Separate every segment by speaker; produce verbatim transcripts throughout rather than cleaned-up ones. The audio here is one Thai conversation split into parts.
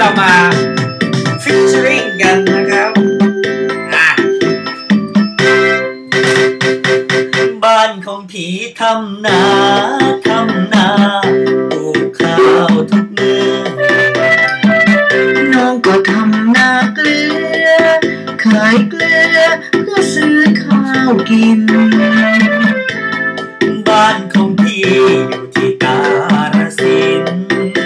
Speaker 1: เรามาฟิชเชอริงกันนะครับบ้านของผีทำนาทำนาปลูกข้าวทุกมือ
Speaker 2: น้องก็ทำนาเกลือขายเกลือเพื่อซื้อข้าวกิน
Speaker 1: บ้านของพี่อยู่ที่กาฬสินธุ์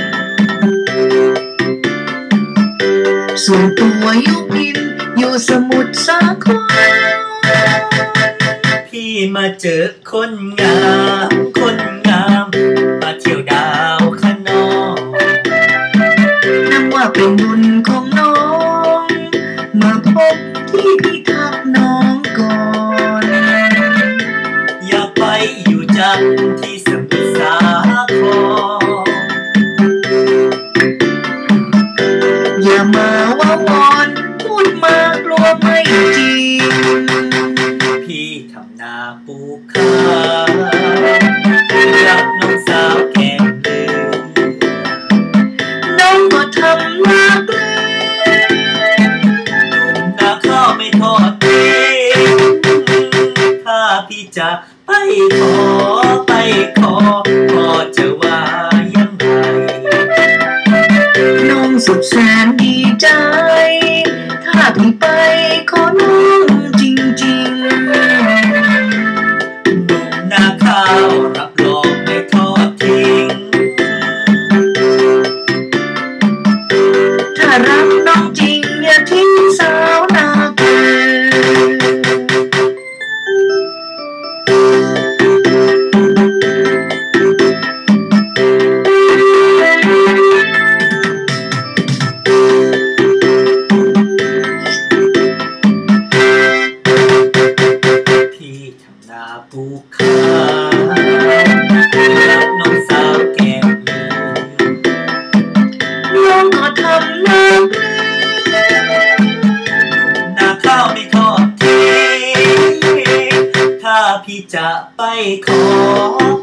Speaker 2: ส่วนตัวอยู่กินอยู่สมุทรสาคร
Speaker 1: พี่มาเจอคนงามคนงามมาเที่ยวดาวคะนอง
Speaker 2: นับว่าเป็นบุญของน้องมาพบที่พี่ทักน้องก่อน
Speaker 1: อย่าไปอยู่จันที่สมุทรสาคร
Speaker 2: อย่ามาว่าวอนพูดมากลัวไม่จริง
Speaker 1: พี่ทำนาปลูกข้าวรับน้องสาวแก่เดือ
Speaker 2: น้องก็ทำนาเกลือ
Speaker 1: นาข้าวไม่ทอดทิ้งถ้าพี่จะไปขอไปขอพ่อจะว่ายังไง
Speaker 2: น้องสุดแสนดีใจถ้าพี่ไปขอน้องจริงๆ
Speaker 1: หนุ่มนาข้าวรับรองไม่ทอดทิ้ง
Speaker 2: ถ้ารักน้องจริงอย่าทิ้งสาวนาเกลือ
Speaker 1: ปลูกข้าวรับน้องสาวแก่
Speaker 2: น้องก็ทำนาเกลือ
Speaker 1: นาข้าวไม่ทอดทิ้งถ้าพี่จะไปขอ